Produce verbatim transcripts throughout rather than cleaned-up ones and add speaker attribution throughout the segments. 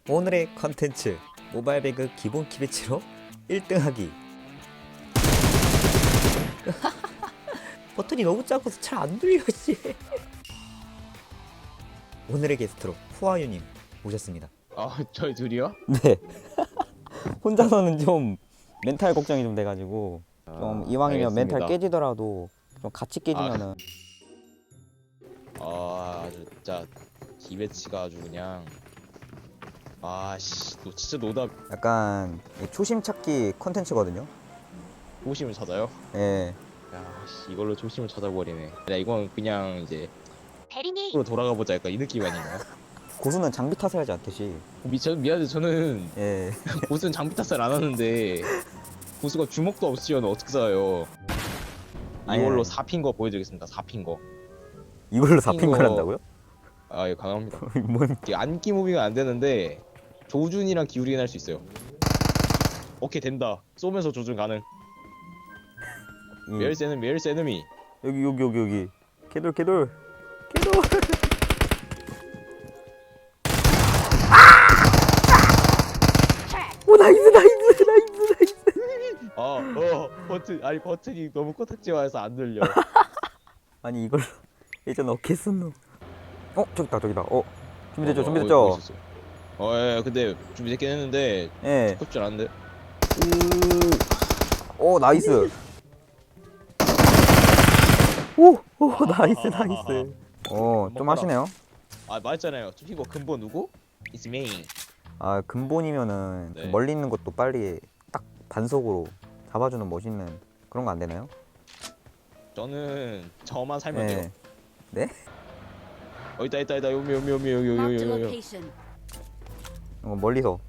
Speaker 1: 오늘의 컨텐츠 모바일 배그 기본 키배치로 일 등 하기. 버튼이 너무 작아서 잘 안 들려 씨. 오늘의 게스트로 후아유님 모셨습니다.
Speaker 2: 아, 저희 둘이요?
Speaker 1: 네. 혼자서는 좀 멘탈 걱정이 좀 돼가지고 좀 이왕이면
Speaker 2: 알겠습니다.
Speaker 1: 멘탈 깨지더라도 좀 같이 깨지면은
Speaker 2: 아, 진짜 기배치가 아주 그냥 아씨, 너 진짜 노답
Speaker 1: 약간 초심 찾기 컨텐츠거든요.
Speaker 2: 초심을 찾아요?
Speaker 1: 예.
Speaker 2: 야, 씨, 이걸로 초심을 찾아버리네. 야, 이건 그냥 이제
Speaker 3: 대리니
Speaker 2: 으로 돌아가 보자, 약간 이 느낌 아닌가요?
Speaker 1: 고수는 장비 탓을 하지 않듯이.
Speaker 2: 미, 저, 미안해, 저는
Speaker 1: 예.
Speaker 2: 고수는 장비 탓을 안 하는데 고수가 주먹도 없으면 어떻게 싸요?
Speaker 1: 아니,
Speaker 2: 이걸로
Speaker 1: 아니.
Speaker 2: 사핀 거 보여드리겠습니다. 사핀 거.
Speaker 1: 이걸로 사핀
Speaker 2: 이거-
Speaker 1: 걸 한다고요?
Speaker 2: 아, 예, 가능합니다.
Speaker 1: 뭔?
Speaker 2: 이게 안기 무빙은 안 되는데 조준이랑 기울이긴 할 수 있어요. 오케이, 된다. 쏘면서 조준 가능.
Speaker 1: 이-
Speaker 2: 메일스 에너미, 메일스 에너미.
Speaker 1: 여기 여기 여기 여기. 개돌 개돌 개돌. 오 나이스 나이스 나이스 나이스.
Speaker 2: 아, 어, 버튼, 아니 버튼이 너무 코딱지화해서 안 들려.
Speaker 1: 아니 이걸 예전 어깨 쓴노. 어 저기다 저기다. 어 준비됐죠
Speaker 2: 어, 어,
Speaker 1: 준비됐죠.
Speaker 2: 어, 있었어. 어, 예, 근데 준비됐긴 했는데
Speaker 1: 예.
Speaker 2: skup줄 않는데.
Speaker 1: 오. 오 나이스. 오, 오 나이스 나이스. 어 좀 하시네요.
Speaker 2: 아, 말했잖아요. 이거 근본 누구? It's me.
Speaker 1: 아 근본이면은
Speaker 2: 네.
Speaker 1: 멀리 있는 것도 빨리 딱 반속으로 잡아주는 멋있는 그런 거 안 되나요?
Speaker 2: 저는 저만 살면 돼요.
Speaker 1: 네.
Speaker 2: 어, 있다, 있다, 있다. 요미, 요미, 요미, 요미, 요미,
Speaker 3: Marked a
Speaker 2: 요미, 요미.
Speaker 3: location.
Speaker 1: 어, 멀리서.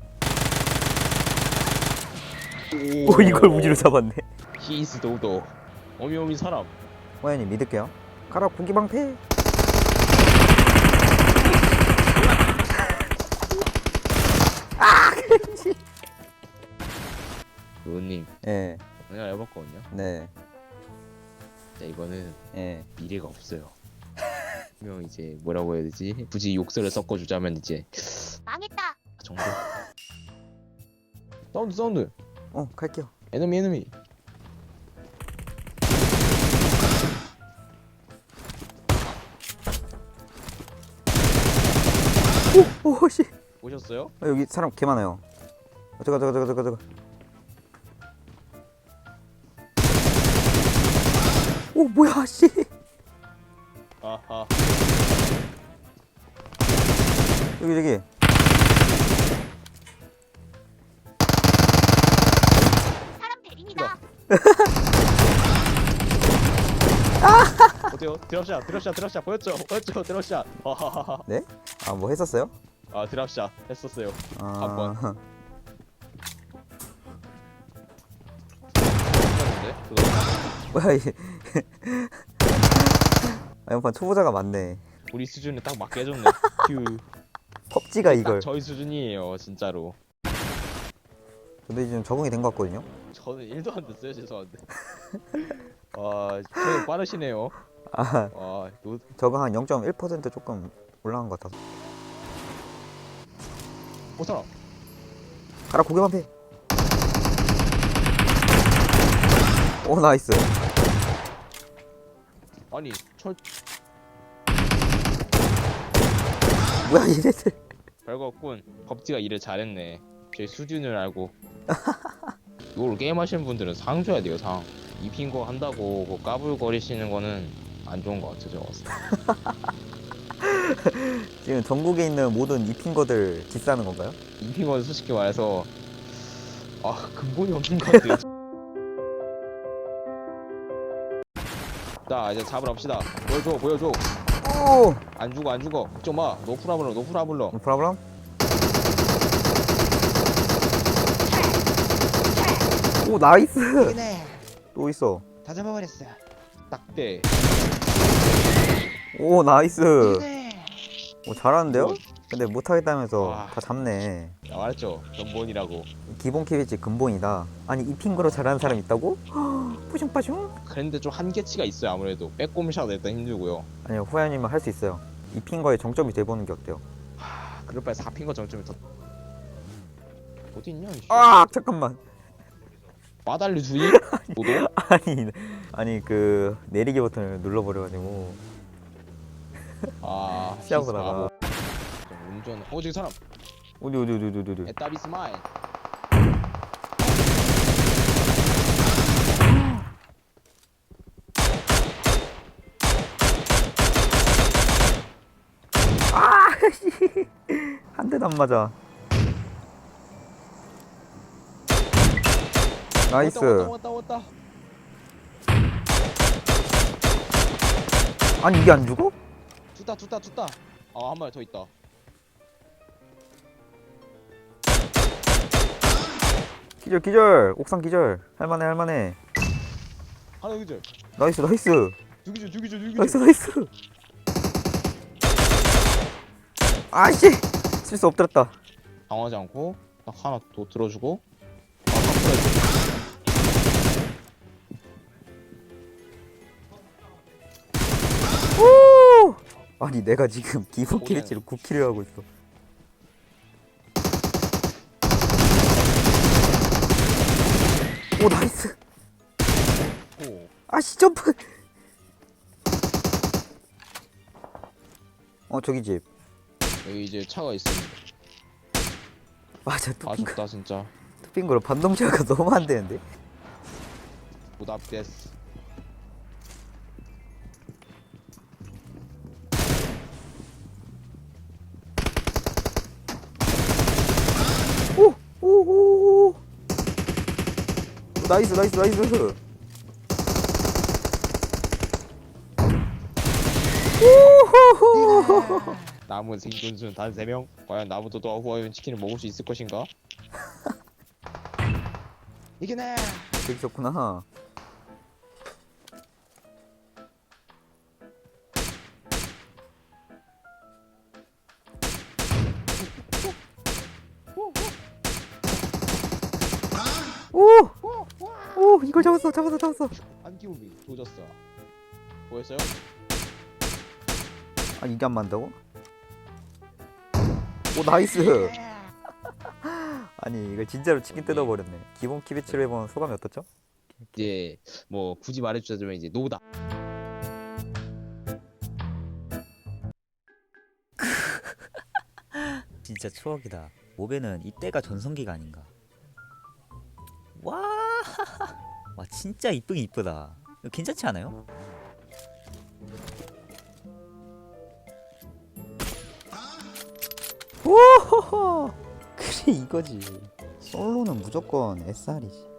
Speaker 2: 오,
Speaker 1: 오 이걸 우지로 잡았네.
Speaker 2: He is 도도. 오미, 오미 사람.
Speaker 1: 호연님 믿을게요. 가라 고기 방패.
Speaker 2: 의원님,
Speaker 1: 예,
Speaker 2: 내가 해봤거든요.
Speaker 1: 네,
Speaker 2: 자, 이거는
Speaker 1: 예.
Speaker 2: 미래가 없어요. 분명 이제 뭐라고 해야 되지? 굳이 욕설을 섞어주자면 이제
Speaker 3: 망했다.
Speaker 2: 정도. 사운드, 사운드.
Speaker 1: 어 갈게요.
Speaker 2: 에너미, 에너미.
Speaker 1: 오 씨.
Speaker 2: 오셨어요?
Speaker 1: 아, 여기 사람 개 많아요. 어, 저거 저거 저거 저거 저거. 오 뭐야 씨.
Speaker 2: 아하.
Speaker 1: 여기 저기.
Speaker 3: 사람 대리니다.
Speaker 2: 어때요? 드랍샷, 드랍샷, 드랍샷 보였죠? 보였죠? 드랍샷. 하하하하.
Speaker 1: 네? 아 뭐 했었어요?
Speaker 2: 아, 드랍샷 했었어요.
Speaker 1: 아.
Speaker 2: 한 번. 했었는데? 그거
Speaker 1: 뭐야 이게. 아 연판 초보자가 많네.
Speaker 2: 우리 수준에 딱 맞게 해줬네. 휴.
Speaker 1: 펍지가
Speaker 2: 딱
Speaker 1: 이걸.
Speaker 2: 저희 수준이에요, 진짜로.
Speaker 1: 근데 지금 적응이 된 것 같거든요.
Speaker 2: 저는 일도 안 됐어요, 죄송한데. 아, 저는 빠르시네요.
Speaker 1: 아
Speaker 2: 아, 노,
Speaker 1: 적응 한 영 점 일 퍼센트 조금 올라간 것 같아서.
Speaker 2: 오, 사람.
Speaker 1: 가라 고개 방패. 오 나이스.
Speaker 2: 아니, 철,
Speaker 1: 뭐야 얘네들.
Speaker 2: 별거군. 법지가 일을 잘했네. 저희 수준을 알고. 이걸 게임하시는 분들은 상 줘야 돼요, 상. 입힌 거 한다고 뭐 까불거리시는 거는 안 좋은 것 같아요, 제가 봤을 때.
Speaker 1: 지금 전국에 있는 모든 입힌 거들 디스하는 건가요?
Speaker 2: 입힌 거는 솔직히 말해서 아, 근본이 없는 것 같아요. 자, 이제 잡으러 갑시다. 보여줘, 보여줘.
Speaker 1: 오.
Speaker 2: 안 죽어, 안 죽어. 걱정 마. 노프라블럼, 노프라블럼.
Speaker 1: No problem? 오 나이스.
Speaker 4: 이네
Speaker 1: 또 있어.
Speaker 4: 다 잡아버렸어.
Speaker 2: 딱대.
Speaker 1: 오 나이스.
Speaker 4: 이네
Speaker 1: 오 잘하는데요? 근데 못하겠다면서
Speaker 2: 와.
Speaker 1: 다 잡네.
Speaker 2: 야, 말했죠. 근본이라고.
Speaker 1: 기본 키비치 근본이다. 아니 입힌 거로 잘하는 사람 있다고? 뿌숑빠숑?
Speaker 2: 그런데 좀 한계치가 있어요, 아무래도. 빼꼼샷 일단 힘들고요.
Speaker 1: 아니요 후야님은 할 수 있어요. 입힌 거에 정점이 돼보는 게 어때요?
Speaker 2: 하, 그럴 바에 사핀 거 정점이 더. 어디 있냐 이씨.
Speaker 1: 아 잠깐만.
Speaker 2: 빠달리 주의? 너도?
Speaker 1: 아니 아니 그 내리기 버튼을 눌러버려가지고
Speaker 2: 아
Speaker 1: 시작하고
Speaker 2: 히스
Speaker 1: 나가.
Speaker 2: 바보. 좀 운전. 어 저기 사람.
Speaker 1: 어디 어디 어디 어디 어디.
Speaker 2: 에따비 스마일.
Speaker 1: 한 대도 안 맞아. 나이스.
Speaker 2: 왔다 왔다 왔다 왔다.
Speaker 1: 아니 이게 안 죽어?
Speaker 2: tus다 tus다 tus다. 아 한 마리 더 있다.
Speaker 1: 기절 기절. 옥상 기절. 할만해 할만해.
Speaker 2: 하나 그죠?
Speaker 1: 나이스 나이스.
Speaker 2: 죽이죠 죽이죠 죽이죠.
Speaker 1: 나이스 나이스. 아씨 실수 엎드렸다.
Speaker 2: 당하지 않고 딱 하나 더 들어주고. 아, 딱
Speaker 1: 오! 아니 내가 지금 기본
Speaker 2: 오네.
Speaker 1: 키리치를 구 킬을 하고 있어. 오 나이스.
Speaker 2: 들어주고.
Speaker 1: 아씨 점프. 어 저기 집.
Speaker 2: 여기 이제 차가 있습니다.
Speaker 1: 맞아 뚜핑
Speaker 2: 아쉽다 진짜.
Speaker 1: 뚜핑 거로 반동 제어가 너무 안 되는데.
Speaker 2: 부답데스.
Speaker 1: 오오오. 나이스 나이스 나이스. 오호호.
Speaker 2: 남은 생존수는 단 세 명. 과연 나부터도 후아윤 치킨을 먹을 수 있을 것인가? 이기네.
Speaker 1: 저기 있었구나. 오! 오 이걸 잡았어 잡았어 잡았어.
Speaker 2: 안기우미 조졌어. 뭐였어요?
Speaker 1: 아 이게 안 맞다고? 오 나이스. 아니 이걸 진짜로 치킨 뜯어버렸네. 기본 키비치로 해본 소감이 어떻죠?
Speaker 2: 이제 뭐 굳이 말해주자면 이제 노다.
Speaker 4: 진짜 추억이다. 모베는 이때가 전성기가 아닌가. 와, 와 진짜 이쁘긴 이쁘다. 이거 괜찮지 않아요?
Speaker 1: 오호호. 그래 이거지. 솔로는 무조건 에스알이지.